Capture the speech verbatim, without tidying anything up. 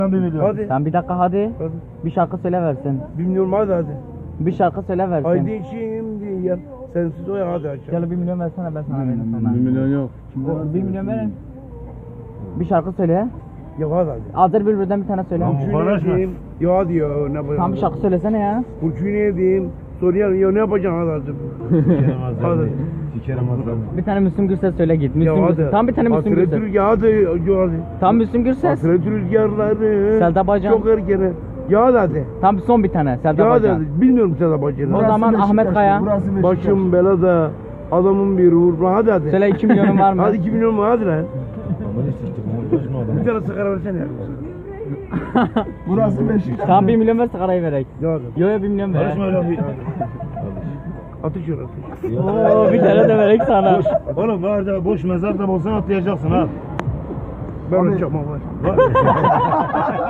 Hadi. Sen bir dakika hadi. Hadi. Bir şarkı söyle versin. Bilmiyorum hadi hadi. Bir şarkı söyle versin. Haydi şimdi ya. Sensiz o ya hadi aşağı. Gel bir milyon versene ben sana veririm sonra. Bir milyon yok. Bir milyon verin. Bir şarkı söyle. Ya hadi hadi. Azer Bülbül'den bir tane söyle. Kurşun edeyim. Ya hadi ya ne yapacağım? Tam bir şarkı söylesene ya. Kurşun edeyim. Soruyor ya ne yapacaksın hadi hadi. Hadi. Sikerim azam. Bir tane Müslüm Gürses söyle git. Müslüm Ya Gürses. hadi. Tam bir tane Müslüm Hasret Gürses. rüzgar hadi. Ya hadi. Tam Müslüm Gürses. Hasret rüzgarları. Selda Bacan. Çok erken. Ya hadi hadi. Tam son bir tane. Selda Ya hadi Bacan. hadi. Bilmiyorum Selda Bacan'ı. O zaman Ahmet Kaya. Başım belada. Adamın bir uğur. Hadi hadi. Söyle iki milyonun var mı? Hadi iki milyon mu hadi lan. Bir tane sigara versene ya. Burası Beşiktaş. Tamam bir milyon ver sigarayı verek. Ya hadi. Yo yo bir milyon ver. Karışma öyle bir. Atış yor atış. Oo bir tane de verek sana. Oğlum var da boş mezar da olsan atlayacaksın ha. Ben atacağım ama.